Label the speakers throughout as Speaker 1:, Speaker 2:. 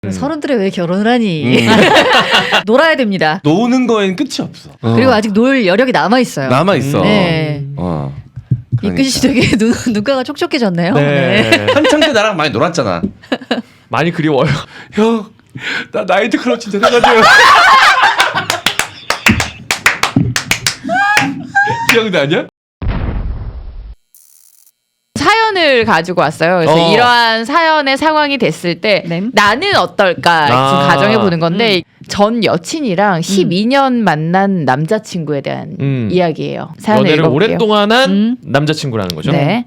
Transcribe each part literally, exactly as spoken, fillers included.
Speaker 1: 음. 서른들에 왜 결혼을 하니? 음. 놀아야 됩니다.
Speaker 2: 노는 거엔 끝이 없어.
Speaker 1: 어. 그리고 아직 놀 여력이 남아 있어요.
Speaker 2: 남아 있어.
Speaker 1: 네.
Speaker 2: 어.
Speaker 1: 이끈 씨 되게 눈, 눈가가 촉촉해졌네요.
Speaker 3: 네.
Speaker 1: 네.
Speaker 2: 한창 때 나랑 많이 놀았잖아.
Speaker 3: 많이 그리워요.
Speaker 2: 형, 나 나이트 클럽 진짜 해가지고. 기억나냐?
Speaker 4: 사연을 가지고 왔어요. 그래서
Speaker 3: 어.
Speaker 4: 이러한 사연의 상황이 됐을 때
Speaker 1: 네.
Speaker 4: 나는 어떨까
Speaker 3: 아.
Speaker 4: 가정해 보는 건데 음. 전 여친이랑 십이 년 만난 남자친구에 대한
Speaker 3: 음.
Speaker 4: 이야기예요. 사연을
Speaker 3: 연애를
Speaker 4: 읽어볼게요.
Speaker 3: 오랫동안 한
Speaker 1: 음.
Speaker 3: 남자친구라는 거죠.
Speaker 4: 네.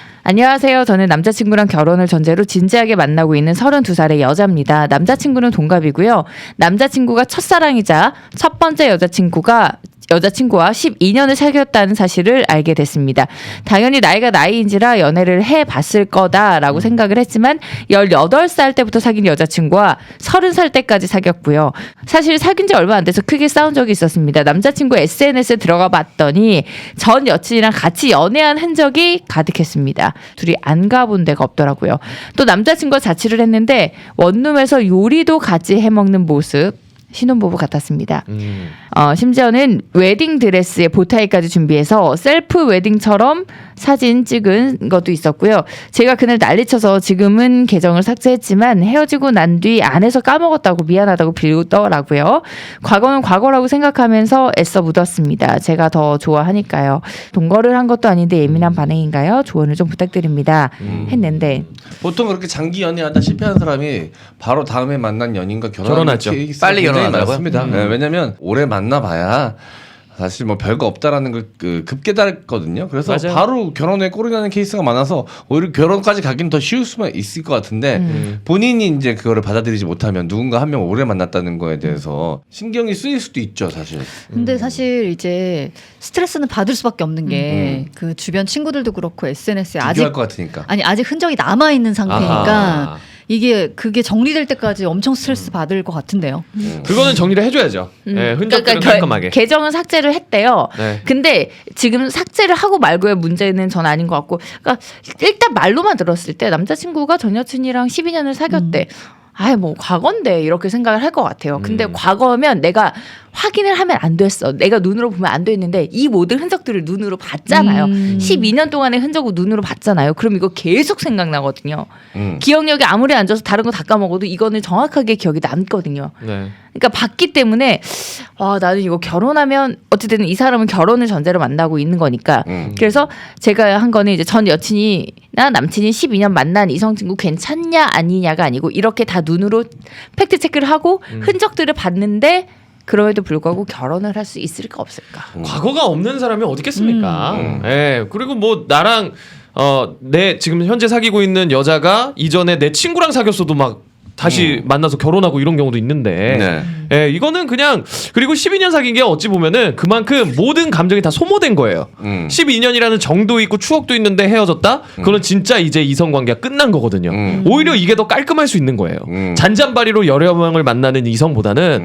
Speaker 4: 안녕하세요. 저는 남자친구랑 결혼을 전제로 진지하게 만나고 있는 서른두 살의 여자입니다. 남자친구는 동갑이고요. 남자친구가 첫사랑이자 첫 번째 여자친구가 여자친구와 십이 년을 사귀었다는 사실을 알게 됐습니다. 당연히 나이가 나이인지라 연애를 해봤을 거다라고 생각을 했지만 열여덟 살 때부터 사귄 여자친구와 서른 살 때까지 사귀었고요. 사실 사귄 지 얼마 안 돼서 크게 싸운 적이 있었습니다. 남자친구 에스엔에스에 들어가 봤더니 전 여친이랑 같이 연애한 흔적이 가득했습니다. 둘이 안 가본 데가 없더라고요. 또 남자친구가 자취를 했는데 원룸에서 요리도 같이 해먹는 모습 신혼부부 같았습니다.
Speaker 3: 음.
Speaker 4: 어, 심지어는 웨딩 드레스에 보타이까지 준비해서 셀프 웨딩처럼 사진 찍은 것도 있었고요. 제가 그날 난리쳐서 지금은 계정을 삭제했지만 헤어지고 난 뒤 안에서 까먹었다고 미안하다고 빌더라고요. 과거는 과거라고 생각하면서 애써 묻었습니다. 제가 더 좋아하니까요. 동거를 한 것도 아닌데 예민한 반응인가요? 조언을 좀 부탁드립니다.
Speaker 2: 음.
Speaker 4: 했는데
Speaker 2: 보통 그렇게 장기 연애하다 실패한 사람이 바로 다음에 만난 연인과 결혼하는
Speaker 3: 결혼하죠.
Speaker 2: 케이스가
Speaker 5: 빨리
Speaker 2: 굉장히
Speaker 5: 결혼하더라고요.
Speaker 2: 많습니다.
Speaker 3: 음.
Speaker 2: 네, 왜냐면 오래 만나봐야 사실 뭐 별거 없다라는 걸 그, 급 깨달았거든요. 그래서
Speaker 3: 맞아요.
Speaker 2: 바로 결혼에 꼴이 나는 케이스가 많아서 오히려 결혼까지 가긴 더 쉬울 수만 있을 것 같은데
Speaker 4: 음.
Speaker 2: 본인이 이제 그거를 받아들이지 못하면 누군가 한 명 오래 만났다는 거에 대해서 신경이 쓰일 수도 있죠, 사실.
Speaker 1: 근데 사실 이제 스트레스는 받을 수밖에 없는 게 그 주변 친구들도 그렇고 에스엔에스에 아직
Speaker 2: 비교할 것 같으니까.
Speaker 1: 아니 아직 흔적이 남아 있는 상태니까
Speaker 3: 아하.
Speaker 1: 이게 그게 정리될 때까지 엄청 스트레스 받을 것 같은데요.
Speaker 2: 음.
Speaker 3: 그거는 정리를 해줘야죠.
Speaker 4: 음.
Speaker 3: 네, 흔적들은
Speaker 4: 그러니까
Speaker 3: 깔끔하게.
Speaker 4: 겨- 계정은 삭제를 했대요.
Speaker 3: 네.
Speaker 4: 근데 지금 삭제를 하고 말고의 문제는 전 아닌 것 같고, 그러니까 일단 말로만 들었을 때 남자친구가 전 여친이랑 십이 년을 사귀었대. 아이 뭐 과거인데 이렇게 생각을 할 것 같아요. 근데
Speaker 3: 음.
Speaker 4: 과거면 내가 확인을 하면 안 됐어. 내가 눈으로 보면 안 됐는데 이 모든 흔적들을 눈으로 봤잖아요.
Speaker 1: 음.
Speaker 4: 십이 년 동안의 흔적을 눈으로 봤잖아요. 그럼 이거 계속 생각나거든요.
Speaker 2: 음.
Speaker 4: 기억력이 아무리 안 좋아서 다른 거 다 까먹어도 이거는 정확하게 기억이 남거든요.
Speaker 3: 네.
Speaker 4: 그러니까 봤기 때문에 와 나는 이거 결혼하면 어쨌든 이 사람은 결혼을 전제로 만나고 있는 거니까
Speaker 2: 음.
Speaker 4: 그래서 제가 한 거는 이제 전 여친이나 남친이 십이 년 만난 이성 친구 괜찮냐 아니냐가 아니고 이렇게 다 눈으로 팩트 체크를 하고
Speaker 3: 음.
Speaker 4: 흔적들을 봤는데 그럼에도 불구하고 결혼을 할 수 있을까 없을까?
Speaker 3: 과거가 없는 사람이 어디 있겠습니까?
Speaker 2: 음.
Speaker 3: 예. 그리고 뭐 나랑 어, 내 지금 현재 사귀고 있는 여자가 이전에 내 친구랑 사귀었어도 막 다시
Speaker 2: 음.
Speaker 3: 만나서 결혼하고 이런 경우도 있는데
Speaker 2: 네.
Speaker 3: 예, 이거는 그냥 그리고 십이 년 사귄 게 어찌 보면은 그만큼 모든 감정이 다 소모된 거예요.
Speaker 2: 음.
Speaker 3: 십이 년이라는 정도 있고 추억도 있는데 헤어졌다? 그거는 진짜 이제 이성 관계가 끝난 거거든요.
Speaker 2: 음.
Speaker 3: 오히려 이게 더 깔끔할 수 있는 거예요.
Speaker 2: 음.
Speaker 3: 잔잔바리로 여러 명을 만나는 이성보다는
Speaker 2: 음.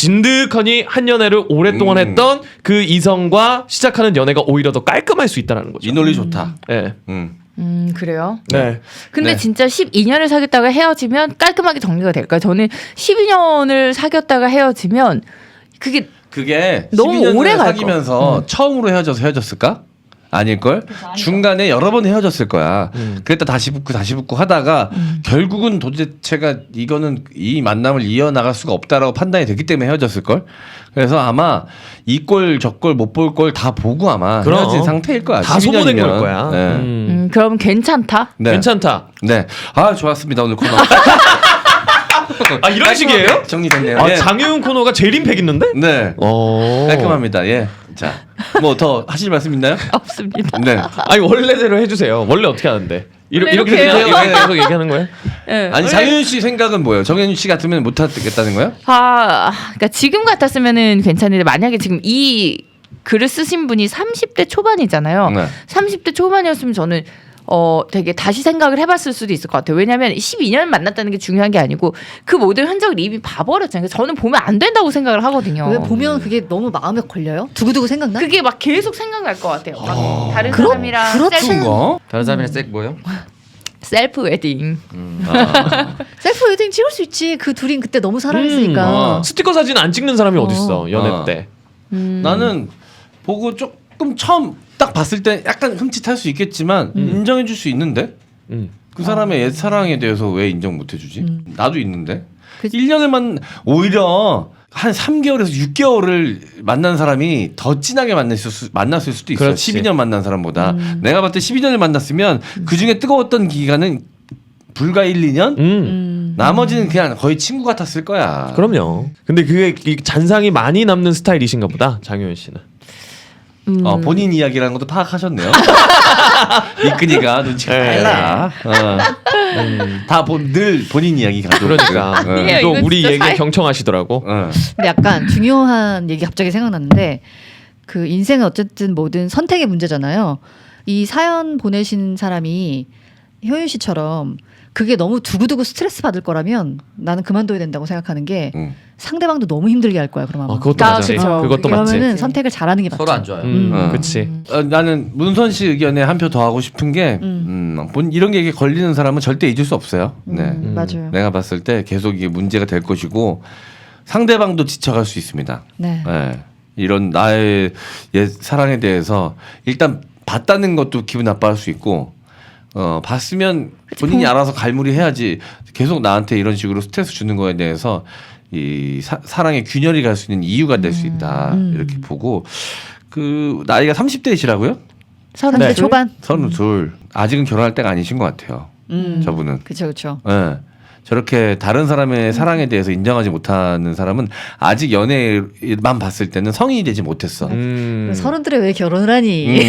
Speaker 3: 진득하니 한 연애를 오랫동안
Speaker 2: 음.
Speaker 3: 했던 그 이성과 시작하는 연애가 오히려 더 깔끔할 수 있다는 거죠.
Speaker 2: 이 논리 좋다.
Speaker 3: 예.
Speaker 2: 음.
Speaker 4: 음 그래요?
Speaker 3: 네.
Speaker 4: 근데
Speaker 2: 네.
Speaker 4: 진짜 십이 년을 사귀었다가 헤어지면 깔끔하게 정리가 될까요? 저는 십이 년을 사귀었다가 헤어지면 그게
Speaker 2: 그게
Speaker 4: 너무
Speaker 2: 십이 년을
Speaker 4: 오래 갈
Speaker 2: 사귀면서 처음으로 헤어져서 헤어졌을까? 아닐걸? 중간에 여러 번 헤어졌을 거야.
Speaker 3: 음.
Speaker 2: 그랬다 다시 붙고 다시 붙고 하다가 결국은 도대체가 이거는 이 만남을 이어나갈 수가 없다라고 판단이 됐기 때문에 헤어졌을걸? 그래서 아마 이 꼴 저 꼴 못 볼 걸 다 보고 아마
Speaker 3: 그럼.
Speaker 2: 헤어진 상태일 거야.
Speaker 3: 다
Speaker 2: 십이
Speaker 3: 소모된
Speaker 2: 년이면.
Speaker 3: 걸 거야.
Speaker 2: 네.
Speaker 3: 음.
Speaker 4: 음, 그럼 괜찮다?
Speaker 2: 네.
Speaker 3: 괜찮다.
Speaker 2: 네. 아 좋았습니다 오늘 코너.
Speaker 3: 아 이런 식이에요?
Speaker 2: 정리됐네요.
Speaker 3: 아,
Speaker 2: 예.
Speaker 3: 장유은 코너가 제일 임팩 있는데?
Speaker 2: 네.
Speaker 3: 어.
Speaker 2: 깔끔합니다. 예. 자, 뭐 더 하실 말씀 있나요?
Speaker 4: 없습니다.
Speaker 2: 네.
Speaker 3: 아니 원래대로 해주세요. 원래 어떻게 하는데? 이렇게 이렇게
Speaker 4: 이렇게 해요?
Speaker 3: 그냥 이렇게 계속 얘기하는 거예요?
Speaker 4: 네.
Speaker 2: 아니 장윤 씨 생각은 뭐예요? 정윤 씨 같으면 못 하겠다는 거예요?
Speaker 4: 아, 그러니까 지금 같았으면은 괜찮은데 만약에 지금 이 글을 쓰신 분이 삼십 대 초반이잖아요.
Speaker 2: 네.
Speaker 4: 삼십 대 초반이었으면 저는 어 되게 다시 생각을 해봤을 수도 있을 것 같아요. 왜냐하면 십이 년 만났다는 게 중요한 게 아니고 그 모든 흔적을 이미 봐버렸잖아요. 저는 보면 안 된다고 생각을 하거든요.
Speaker 1: 왜 보면 그게 너무 마음에 걸려요? 두고두고 생각나?
Speaker 4: 그게 막 계속 생각날 것 같아요. 막 다른
Speaker 1: 그렇-
Speaker 4: 사람이랑
Speaker 1: 그렇죠.
Speaker 4: 셀프
Speaker 2: 그런가?
Speaker 5: 다른 사람이랑 색 뭐요?
Speaker 4: 셀프 웨딩.
Speaker 2: 아.
Speaker 1: 셀프 웨딩 찍을 수 있지. 그 둘이 그때 너무 사랑했으니까.
Speaker 3: 음,
Speaker 2: 어.
Speaker 3: 스티커 사진 안 찍는 사람이 어. 디 있어 연애
Speaker 2: 어.
Speaker 3: 때.
Speaker 4: 음.
Speaker 2: 나는 보고 조금 처음 딱 봤을 때 약간 흠칫할 수 있겠지만 인정해줄 수 있는데
Speaker 3: 음.
Speaker 2: 그 사람의 옛 사랑에 대해서 왜 인정 못 해주지?
Speaker 1: 음.
Speaker 2: 나도 있는데
Speaker 1: 그-
Speaker 2: 일 년을 만 오히려 한 삼 개월에서 육 개월을 만난 사람이 더 진하게 만났을, 수, 만났을 수도 있어.
Speaker 3: 그렇지.
Speaker 2: 십이 년 만난 사람보다.
Speaker 1: 음.
Speaker 2: 내가 봤을 때 십이 년을 만났으면 그 중에 뜨거웠던 기간은 불과 일, 이 년?
Speaker 3: 음.
Speaker 1: 음.
Speaker 2: 나머지는 그냥 거의 친구 같았을 거야.
Speaker 3: 그럼요. 근데 그게 이 잔상이 많이 남는 스타일이신가 보다 장효연 씨는.
Speaker 4: 음.
Speaker 2: 어, 본인 이야기라는 것도 파악하셨네요. 이끈이가 눈치가
Speaker 3: 네.
Speaker 2: 빨라. 어. 음, 다늘 본인 이야기 가지고.
Speaker 3: 그러니까
Speaker 2: 어.
Speaker 4: 아니에요.
Speaker 3: 또
Speaker 4: 이거
Speaker 3: 우리
Speaker 4: 진짜
Speaker 3: 얘기에
Speaker 4: 사이-
Speaker 3: 경청하시더라고.
Speaker 2: 어.
Speaker 1: 근데 약간 중요한 얘기 갑자기 생각났는데 그 인생은 어쨌든 모든 선택의 문제잖아요. 이 사연 보내신 사람이 효윤 씨처럼 그게 너무 두고두고 스트레스 받을 거라면 나는 그만둬야 된다고 생각하는 게
Speaker 2: 음.
Speaker 1: 상대방도 너무 힘들게 할 거야. 그러면
Speaker 3: 아,
Speaker 1: 아마.
Speaker 3: 그것도
Speaker 4: 아,
Speaker 3: 맞아.
Speaker 4: 그쵸.
Speaker 3: 그것도 맞지.
Speaker 1: 그러면은 선택을 잘하는 게 맞죠.
Speaker 5: 서로 안 좋아요.
Speaker 3: 음,
Speaker 2: 음.
Speaker 3: 그치.
Speaker 2: 어, 나는 문선 씨 의견에 한 표 더 하고 싶은 게 음. 본 이런 게 걸리는 사람은 절대 잊을 수 없어요. 네.
Speaker 1: 음, 맞아요.
Speaker 2: 내가 봤을 때 계속 이게 문제가 될 것이고 상대방도 지쳐갈 수 있습니다.
Speaker 1: 네.
Speaker 2: 네. 이런 나의 옛 사랑에 대해서 일단 봤다는 것도 기분 나빠할 수 있고 어 봤으면 본인이 알아서 갈무리 해야지 계속 나한테 이런 식으로 스트레스 주는 거에 대해서 이 사, 사랑의 균열이 갈 수 있는 이유가 될 수 있다
Speaker 1: 음.
Speaker 2: 이렇게 보고 그 나이가 삼십 대이시라고요?
Speaker 1: 서른 대
Speaker 3: 네.
Speaker 1: 초반.
Speaker 2: 서른둘 아직은 결혼할 때가 아니신 것 같아요.
Speaker 1: 음.
Speaker 2: 저분은.
Speaker 1: 그렇죠, 그렇죠.
Speaker 2: 예. 저렇게 다른 사람의 사랑에 대해서 인정하지 못하는 사람은 아직 연애만 봤을 때는 성인이 되지 못했어.
Speaker 3: 음.
Speaker 1: 서른들에 왜 결혼을 하니?
Speaker 2: 음.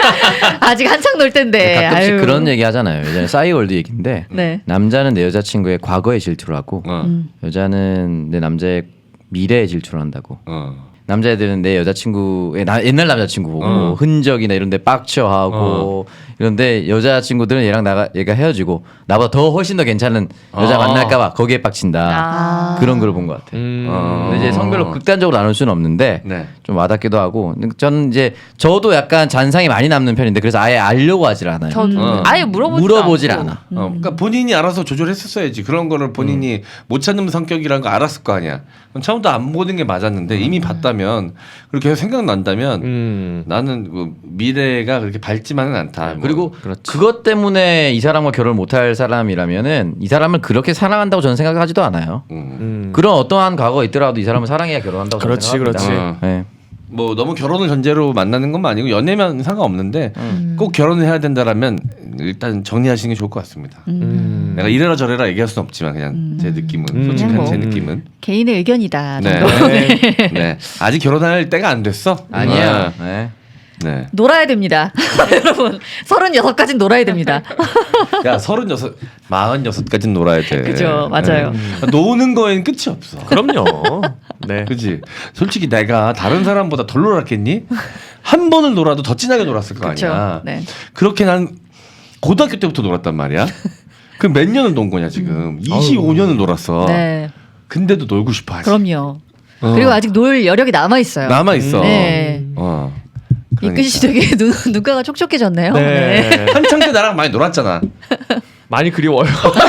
Speaker 1: 아직 한창 놀 텐데.
Speaker 5: 가끔씩
Speaker 1: 아유.
Speaker 5: 그런 얘기 하잖아요. 예전에 싸이월드 얘기인데
Speaker 1: 네.
Speaker 5: 남자는 내 여자친구의 과거에 질투를 하고
Speaker 2: 어.
Speaker 1: 음.
Speaker 5: 여자는 내 남자의 미래에 질투를 한다고.
Speaker 2: 어.
Speaker 5: 남자애들은 내 여자친구의 나, 옛날 남자친구 보고
Speaker 2: 어.
Speaker 5: 흔적이나 이런데 빡쳐하고 이런데 여자친구들은 얘랑 나가 얘가 헤어지고 나보다 더 훨씬 더 괜찮은 여자
Speaker 2: 어.
Speaker 5: 만날까봐 거기에 빡친다.
Speaker 1: 아.
Speaker 5: 그런 걸 본 것 같아.
Speaker 3: 음.
Speaker 2: 어.
Speaker 5: 근데 이제 성별로 극단적으로 나눌 수는 없는데
Speaker 2: 네.
Speaker 5: 좀 와닿기도 하고 저는 이제 저도 약간 잔상이 많이 남는 편인데 그래서 아예 알려고 하질 않아요.
Speaker 4: 저도
Speaker 2: 어.
Speaker 4: 아예 물어보지
Speaker 5: 물어보질
Speaker 4: 않고.
Speaker 5: 않아.
Speaker 2: 어, 그러니까 본인이 알아서 조절했었어야지. 그런 거를 본인이 못 찾는 성격이라는 거 알았을 거 아니야. 그럼 처음부터 안 보는 게 맞았는데 이미 봤다면 그렇게 계속 생각난다면
Speaker 3: 음.
Speaker 2: 나는 그 미래가 그렇게 밝지만은 않다. 뭐.
Speaker 5: 그리고
Speaker 3: 그렇지.
Speaker 5: 그것 때문에 이 사람과 결혼 못할 사람이라면은 이 사람을 그렇게 사랑한다고 저는 생각하지도 않아요.
Speaker 2: 음.
Speaker 3: 음.
Speaker 5: 그런 어떠한 과거가 있더라도 이 사람을 사랑해야 결혼한다고 저는
Speaker 3: 그렇지,
Speaker 5: 생각합니다.
Speaker 2: 그렇지.
Speaker 5: 네.
Speaker 2: 뭐 너무 결혼을 전제로 만나는 건 아니고 연애면 상관없는데 꼭 결혼을 해야 된다라면 일단 정리하시는 게 좋을 것 같습니다.
Speaker 3: 음.
Speaker 2: 내가 이래라 저래라 얘기할 수는 없지만 그냥 제 느낌은
Speaker 3: 음.
Speaker 2: 솔직한
Speaker 1: 뭐.
Speaker 2: 제 느낌은
Speaker 1: 개인의 의견이다.
Speaker 2: 네.
Speaker 1: 정도.
Speaker 3: 네.
Speaker 2: 네 아직 결혼할 때가 안 됐어.
Speaker 5: 아니야.
Speaker 2: 네.
Speaker 5: 네.
Speaker 2: 네.
Speaker 1: 놀아야 됩니다. 여러분, 서른여섯까지는 놀아야 됩니다.
Speaker 2: 야 서른여섯, 마흔여섯까지는 놀아야 돼.
Speaker 1: 그죠, 맞아요.
Speaker 2: 네. 노는 거엔 끝이 없어.
Speaker 3: 그럼요. 네.
Speaker 2: 그지. 솔직히 내가 다른 사람보다 덜 놀았겠니? 한 번을 놀아도 더 진하게 놀았을 거
Speaker 1: 그렇죠.
Speaker 2: 아니야.
Speaker 1: 네.
Speaker 2: 그렇게 난 고등학교 때부터 놀았단 말이야. 그럼 몇 년을 논 거냐 지금? 이십오 년을 놀았어.
Speaker 1: 네.
Speaker 2: 근데도 놀고 싶어 하지.
Speaker 1: 그럼요.
Speaker 2: 어.
Speaker 1: 그리고 아직 놀 여력이 남아 있어요.
Speaker 2: 남아 있어.
Speaker 1: 네.
Speaker 2: 어.
Speaker 1: 이끈 씨 되게 눈, 눈가가 촉촉해졌네요. 네.
Speaker 3: 네.
Speaker 2: 한창 때 나랑 많이 놀았잖아.
Speaker 3: 많이 그리워요.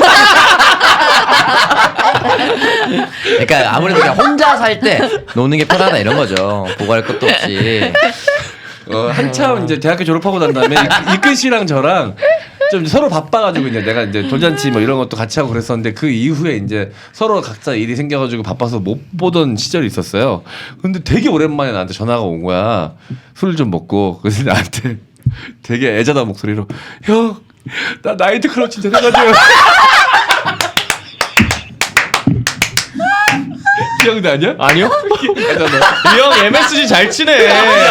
Speaker 5: 그러니까 아무래도 그냥 혼자 살 때 노는 게 편하다 이런 거죠. 보고할 것도 없이.
Speaker 2: 어, 한참 이제 대학교 졸업하고 난 다음에 이- 이끈 씨랑 저랑 좀 서로 바빠가지고 이제 내가 이제 돌잔치 뭐 이런 것도 같이 하고 그랬었는데 그 이후에 이제 서로 각자 일이 생겨가지고 바빠서 못 보던 시절이 있었어요. 근데 되게 오랜만에 나한테 전화가 온 거야. 술을 좀 먹고 그래서 나한테 되게 애자다 목소리로 형, 나 나이트 클럽 진짜 해가지고 기억나냐?
Speaker 3: 아니요?
Speaker 2: 애자다.
Speaker 3: 이 형 엠에스지 잘 치네.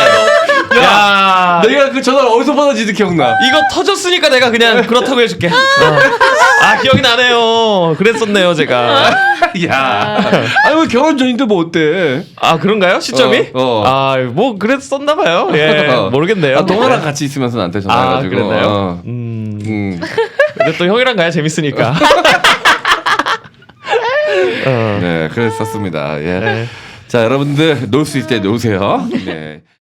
Speaker 3: 야,
Speaker 2: 내가 그 전화를 어디서 받았지도 기억나.
Speaker 3: 이거 터졌으니까 내가 그냥 그렇다고 해줄게. 어. 아 기억이 나네요. 그랬었네요 제가.
Speaker 2: 야, 아니 왜 결혼 전인데 뭐 어때?
Speaker 3: 아 그런가요 시점이?
Speaker 2: 어, 어.
Speaker 3: 아뭐 그랬었나 봐요. 예
Speaker 2: 어.
Speaker 3: 모르겠네요.
Speaker 2: 아, 동아랑 같이 있으면서 나한테
Speaker 3: 아
Speaker 2: 전화해가지고.
Speaker 3: 그랬나요?
Speaker 2: 어.
Speaker 3: 음.
Speaker 2: 음.
Speaker 3: 근데 또 형이랑 가야 재밌으니까. 어.
Speaker 2: 네, 그랬었습니다. 예.
Speaker 3: 네.
Speaker 2: 자, 여러분들 놀 수 있을 때 노세요. 네.